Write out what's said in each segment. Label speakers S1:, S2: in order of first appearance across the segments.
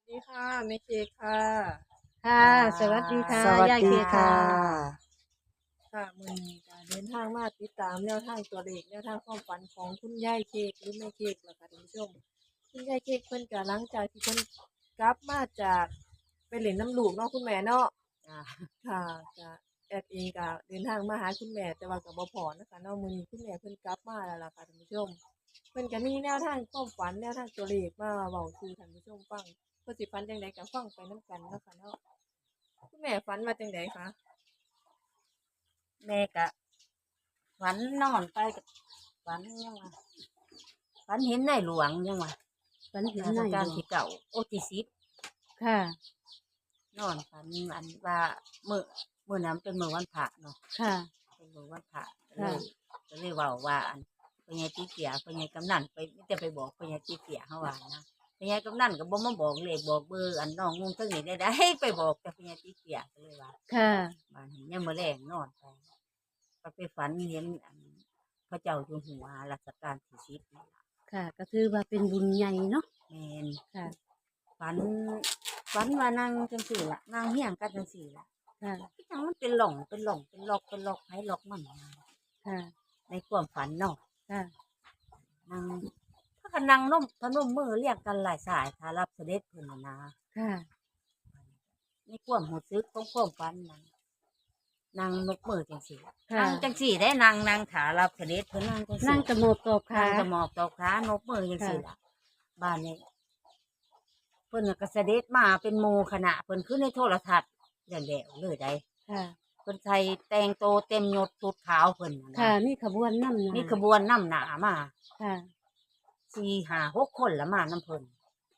S1: ดีค่ะแม่เค้กค่ะ
S2: ค่ะ
S3: ค่ะ
S2: สวัสดีค่ะ
S3: สวัส
S2: ยายเค
S3: ดี
S2: ค่ะ
S3: ค่ะ
S1: ค่ะมื้อนี้ก็เดินทางมาติดตามแนวทางตัวเลขแนวทางความฝันของคุณยายเค้กหรือแม่เค้กล่ะค่ะท่านผู้ชมคุณยายเค้กเพิ่นก็หลังจากที่เพิ่นกลับมาจากไปเล่นน้ำลูกเนาะคุณแม่เนาะ
S3: จ้ะ
S1: ค่ะก็แอดเองก็เดินทางมาหาคุณแม่แต่ว่าก็บ่พ้อนะคะเนาะมื้อนี้คุณแม่เพิ่นกลับมาแล้วล่ะค่ะท่านผู้ชมเพิ่นก็มีแนวทางความฝันแนวทางตัวเลขมาเว้าสู่ท่านผู้ชมฟังเพิ่นสิฝันจังไดก็ฟังไปนำกันเนาะค่ะเนาะคุณแม่ฝันว่าจังไดคะ
S3: แม่กะฝันนอนไปกฝันยังวะฝันเห็นในหลวงยังวะ
S2: ฝันเห็น
S3: ราชการ
S2: นายหลวง
S3: ที่เก่าโอที่สิบ
S2: ค่ะ
S3: นอนฝันอันว่าเมื่อนั้นเป็นเมื่อวันพระเนาะ
S2: ค่ะ
S3: เป็นเมื่อวันพระ
S2: ค่ะ
S3: ก็เลยเว่าว่าอันเป็นไงตีเสียเป็นไงกำนันไปไม่แต่ไปบอกเป็นไงตีเสียเขาว่านะเป็นไงกำนันก็บ่มาบอกเลยบอกเบอร์อันน้องงงทั้งนี้ได้ไปบอกแต่เป็นไงตีเสียก็เลยว่า
S2: ค่ะ
S3: บ้านนี้ยังมาแรงนอนไปไปฝันเห็นอันพระเจ้าอยู่หัวรัชกาลที่สิบนี่ล่ะ
S2: ค่ะก็ถือว่าเป็นบุญใหญ่เนาะ
S3: แมน
S2: ค่ะ
S3: ฝันฝันว่านางจังสี่ละนางเฮี้ยงกันจังสี่ละ
S2: ค่ะ
S3: ที่จังมันเป็นหล่องเป็นหล่องเป็นล็อกเป็นล็อกให้ล็อกมันนะ
S2: ค่ะ
S3: ในความฝันเนาะ
S2: ค่ะ
S3: นางถ้ากันนางน้มพนมมือเรียกกันหลายสายถ้ารับเสด็จเพิ่นน่ะนะ
S2: ค่ะ
S3: ในความหูซึกของความฝันนั้นนางนกมือจังสี่
S2: ค่ะ
S3: นางจังสี่ได้นางถารับเสด็จเพิ่นนางจัง
S2: นั่
S3: สี่
S2: งกระโมบตอบขา
S3: ทางจะหมอบตอกขานกมือยัง
S2: ค่ะ
S3: สิล่ะบ้านนี้เพิ่นก็เสด็จมาเป็นโมคณะเพิ่นขึ้นในโทรทัศน์อย่างเดียวเลยได้
S2: ค่ะ
S3: เพิ่นใส่แต่งโตวเต็มยศชุดขาวเพิ่นน่ะ
S2: ค่ะ
S3: นะ
S2: มีขบวนนำหน้า
S3: มีขบวนนำหนามา
S2: ค่ะ
S3: 4-5-6 คนละมาน้ำเพิ่น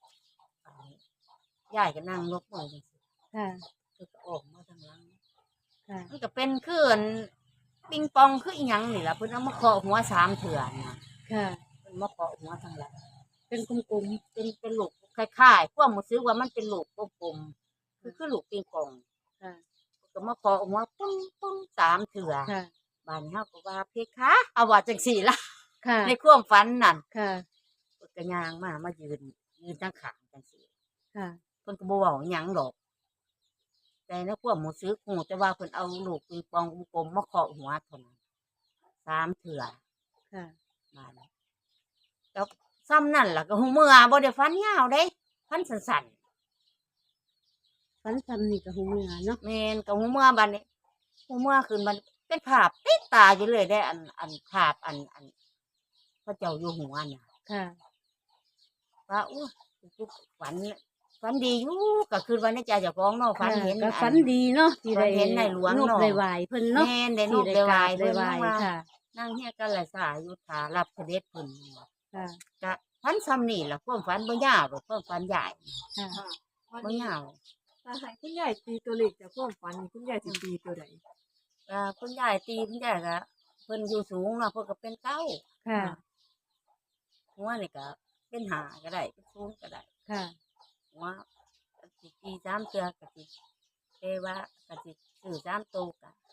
S3: ยายก็นั่งนกมือจังซี่
S2: ค่ะ
S3: เพิ่นก็ออกมาทางหลัง
S2: ค่ะ
S3: มันก็เป็นคืออันปิงปองคืออีหยังนี่ล่ะเพิ่นเอามาเคาะหัว3เถื่อนะ
S2: ค่ะ
S3: เพิ่นมาเคาะหัวทางหลัง
S2: เป็นกลม
S3: เป็นลูกคล้ายๆพวกมันซื้อว่ามันเป็นลูกกลมๆคือลูกปิงปอง
S2: ๆค่ะ
S3: ก็มาขอออกมาปุ้งปุ้ง3เถื่อ
S2: ค่ะ
S3: บ้านเฮาก็ว่าเพคะเอาว่าจังซี่ล่ะ
S2: ค่ะ
S3: ในความฝันนั่น
S2: ค่ะ
S3: เพิ่นก็ย่างมายืนทางข้างจังซี่
S2: ค่ะ
S3: เพิ่นก็บ่เว้าหยังดอกแต่ในความรู้สึกฮู้แต่ว่าเพิ่นเอาลูกปิงปองกลมๆมาเคาะหัวเท่านั้น3เถื่อ
S2: ค่ะ
S3: บ้านแล้วซ้ำนั่นล่ะก็หูเมื่อบ่ได้ฝันยาวเด้ฝันสั้นๆ
S2: ฝันซ้ำนี่ก็หูเมื่อเนาะ
S3: แม่นกับหูเมื่อบัดนี้หูเมื่อคืนมันเป็นภาพติดตาอยู่เลยได้อันภาพอันพระเจ้าอยู่หัวน่ะ
S2: ค่ะ
S3: ว่าอู้ฝันฝันดีอยู่ก็คือวันนี้ใจเจ้าของเนาะฝัน
S2: ค่ะ
S3: เห็น
S2: ก็
S3: อัน
S2: ฝันดีเนาะที่
S3: ฝั
S2: ได้
S3: นเห็นในหลวง
S2: นบ
S3: เนาะ
S2: ได้ไหวเพิ่นเนาะ
S3: แม่นได้น
S2: ที่
S3: กได้วาย
S2: ได้
S3: เพิ่น
S2: ไหว
S3: ยังว่า
S2: ค่ะ
S3: นั่งเฮียกันหลายสายอยู่ถารับเสด็จเพิ่นว่า
S2: ค่ะ
S3: ก็ฝันซ้ำนี่ล่ะความฝันบ่ยาวหรอกความฝันใหญ่
S2: ค่ะ
S1: ค่ะวัน
S3: บ่
S1: นี้
S3: ยาว
S1: ถ้าให้คุณยายตีตัวเลขจากความฝันนี่คุณยายสิตีตัวใด
S3: คุณยายตีคุณยายก็เพิ่นอยู่สูงเนาะเพิ่นก็เป็นเก้า
S2: ค่ะ
S3: หัวนี่ก็เป็นหาก็ได้เป็นศูนย์ก็ได้
S2: ค่ะ
S3: หัวกะสิตี3 เทื่อกะสิเทว่ากะสิซื้อ3 ตัวกะ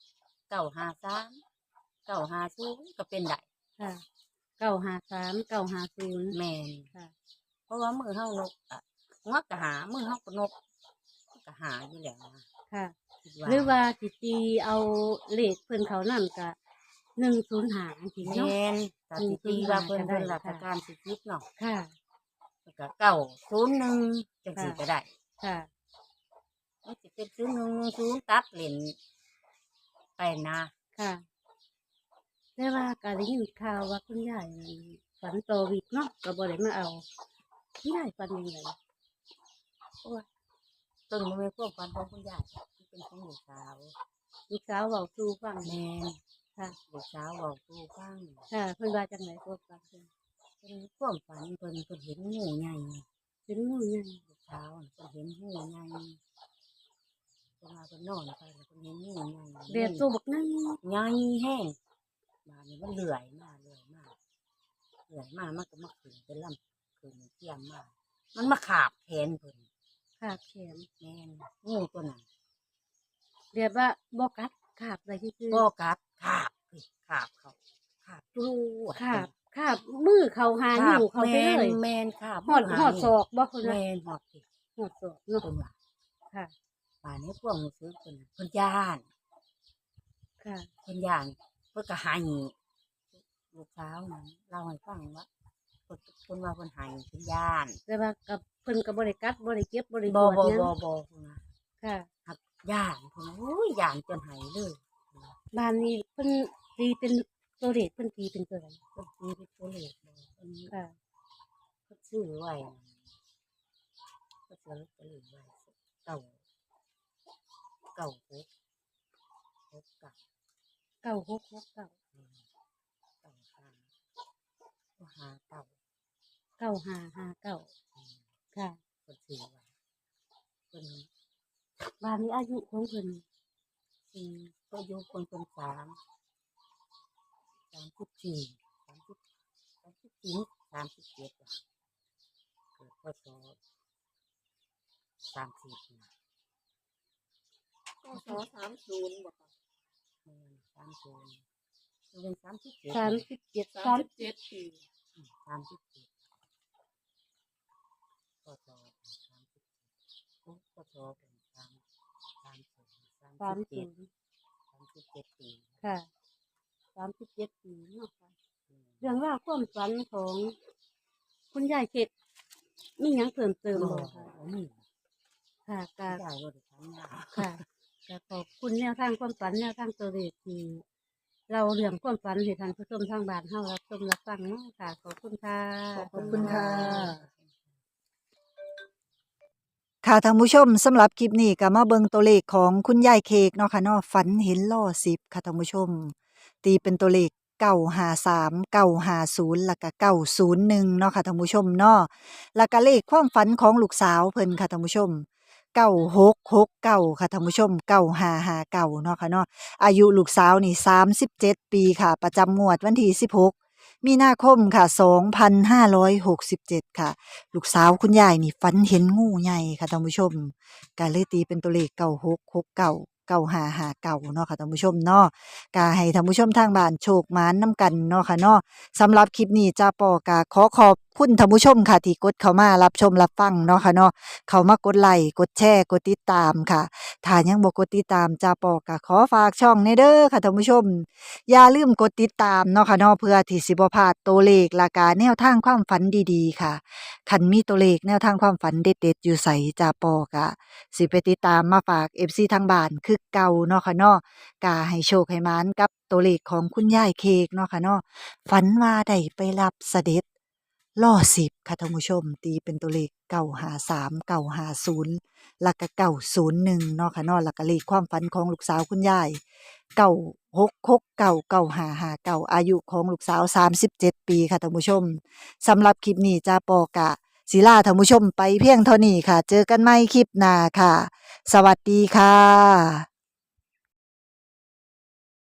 S3: 953 950ก็เป็นได้
S2: ค่ะ953 950
S3: แม่น
S2: ค่ะ
S3: เพราะว่ามือเฮานกอะหัวก็หามือเฮาก็นกก็หาอยู่แล้วนะ
S2: ค่ะ
S3: คิด
S2: หรือ
S3: ว่า
S2: ว่าสิตีเอาเลขเพิ่นเขานั่นก็105จังซี่เนาะ
S3: แม่นก็สิตีว่าเพิ่น
S2: ก็ได้
S3: เพิ่นราช
S2: ค่ะ
S3: การสิคิดเนาะ
S2: ค่ะ
S3: แล้วก็901จังซี่ก็ได้
S2: ค่ะ
S3: มันสิเป็น0110ตัดเล่นไปนะ
S2: ค่ะแต่ว่าก็ได้ยินข่าวว่าคุณยายนั่นฝันต่อวิกเนาะก็บ่ได้มาเอาคุณยายฝันจังได
S3: โอ้ยตึงมันเป็นพวกความของคุณยายที่เป็นของลูกสาว
S2: ลูกสาวเว้าสู่ฟัง
S3: แม่น
S2: ค่ะ
S3: ลูกสาวบอกตูฟัง
S2: ค่ะเพิ่นว่าจังไดพวกฟังเพิ่น
S3: เป็นความฝันเพิ่นเห็นงูใหญ่
S2: เป็นงูใหญ่
S3: ลูกสาวน่ะเพิ่นเห็นงูใหญ่เพิ่นว่าเพิ่นนอนไปแล้วเพิ่นเห็นงูใหญ่
S2: แบบตัวบักนั้น
S3: ใหญ่แห้งมานี่มันเลื่อยมามันก็มาขึ้นเป็นลำขึ้นเทียมมามันมาขาบแขนเพิ่น
S2: ขาบแขน
S3: แม่นงูตัวนั้น
S2: แบบว่าบ่กัดขาบได้ซื่อ
S3: บ่กัดขาบเฮ้ยขาบเขาขาบจู้อะ
S2: ขาบขาบมือเขาหา
S3: ขา
S2: นิ้
S3: บ
S2: วเขา
S3: แม
S2: ไปเล
S3: น
S2: ย
S3: แมนขาบ
S2: หอด
S3: มื
S2: หอดศ
S3: นิ้ว
S2: อกบ่คน
S3: แม
S2: น่ะ
S3: นหอดสิ
S2: หอดสอบเนาะ
S3: เพิ่นว่า
S2: ค่ะ
S3: ป่านนี้พวกรู้สึกเพิ่นย่าน
S2: ค่ะ
S3: เพิ่นย่านเพิ่นก็ให้ลูกสาวนั้นเล่าให้ฟังว่าเพิ่นว่าเพิ่นให้เพิ่นย่าน
S2: แต่ว่ากับเพิ่นก็บ่ได้กัดบ่ได้เจ็บบ่ได้ป
S3: บ่
S2: วด
S3: บ่
S2: หยัง
S3: บ่บ่เพิ่นว่า
S2: ค่ะ
S3: หักย่านเพิ่นว่าโอ้ยย่านจนให้เลย
S2: บ้านนี้เพิ่นตีเป็นตัวเลขเพิ่นตีเป็นตัวใด
S3: เพิ่นตีเป็นตัวเลขบ่เพิ่น
S2: ค่ะ
S3: เพิ่นซื้อไว้เพิ่นซื้อลอตเตอรี่ไว้เก้าเก้าหกหกเก้า
S2: 9669
S3: อืมเก้าห้าห้าเก้า
S2: 9559
S3: อืม
S2: ค่ะ
S3: เพิ่นซื้อไว้เพิ่น
S2: บ้านนี้อายุของเพิ่น
S3: ก็อายุคนเป็น34 34 37ว่ะเกิดพศ30นะ
S1: ก็สอ30บ่ค่ะ
S3: 30เป็น37
S2: 37
S1: 37 ปี
S3: 37พศ30พศเป็น37
S2: 30
S3: ปี
S2: ค่ะ37 ปีเนาะค่ะ
S3: อืม
S2: เรื่องราวความฝันของคุณยายเกดมีหยังเพิ่มเติม
S3: บ่
S2: บ่ค่ะ
S3: มี
S2: ค่ะก็
S3: ได้บ่ได้ทำงาน
S2: ค่ะก็ขอบคุณแนวทางความฝันแนวทางตัวเลขที่เราเรื่องความฝันให้ท่านผู้ชมทางบ้านเฮารับชมรับฟังเนาะค่ะ ขอบคุณค่ะ
S1: ขอบคุณค่ะ
S4: ค่ะท่านผู้ชมสำหรับคลิปนี้ก็มาเบิ่งตัวเลขของคุณยายเค้กเนาะค่ะเนาะฝันเห็นล้อ10ค่ะท่านผู้ชม ตีเป็นตัวเลข953 950แล้วก็901เนาะค่ะท่านผู้ชมเนาะแล้วก็เลขความฝันของลูกสาวเพิ่นค่ะท่านผู้ชม9669ค่ะท่านผู้ชม9559เนาะค่ะเนาะอายุลูกสาวนี่37 ปีค่ะ ประจำงวดวันที่16มีนาคมค่ะ2567ค่ะ ลูกสาวคุณยายนี่ฝันเห็นงูใหญ่ค่ะท่านผู้ชมก็เลยตีเป็นตัวเลข9669 9559เนาะค่ะท่านผู้ชมเนาะก็ให้ท่านผู้ชมทางบ้านโชคหมานนำกันเนาะค่ะเนาะสำหรับคลิปนี้จ้าปอก็ขอขอบคุณท่านผู้ชมค่ะที่กดเข้ามารับชมรับฟังเนาะค่ะเนาะเข้ามากดไลค์กดแชร์กดติดตามค่ะถ้ายังบ่กดติดตามจ้าปอก็ขอฝากช่องในเด้อค่ะท่านผู้ชม อย่าลืมกดติดตามเนาะค่ะเนาะเพื่อที่สิบ่พลาดตัวเลขและก็แนวทางความฝันดีๆค่ะ คันมีตัวเลขแนวทางความฝันเด็ดๆอยู่ใสจ่าปอกะสิไปติดตามมาฝาก FC ทางบ้านคือเก่าเนาะค่ะเนาะกาให้โชคให้หมานกับตัวเลขของคุณยายเค้กเนาะค่ะเนาะฝันว่าได้ไปรับเสด็จล่อ10ค่ะท่านผู้ชม ตีเป็นตัวเลข953 950แล้วก็901เนาะค่ะเนาะแล้วก็เลขความฝันของลูกสาวคุณยาย9669 9559อายุของลูกสาว37 ปีค่ะท่านผู้ชม สำหรับคลิปนี้จ้าปอกะศิลาท่านผู้ชมไปเพียงเท่านี้ค่ะ เจอกันใหม่คลิปหน้าค่ะ สวัสดีค่ะ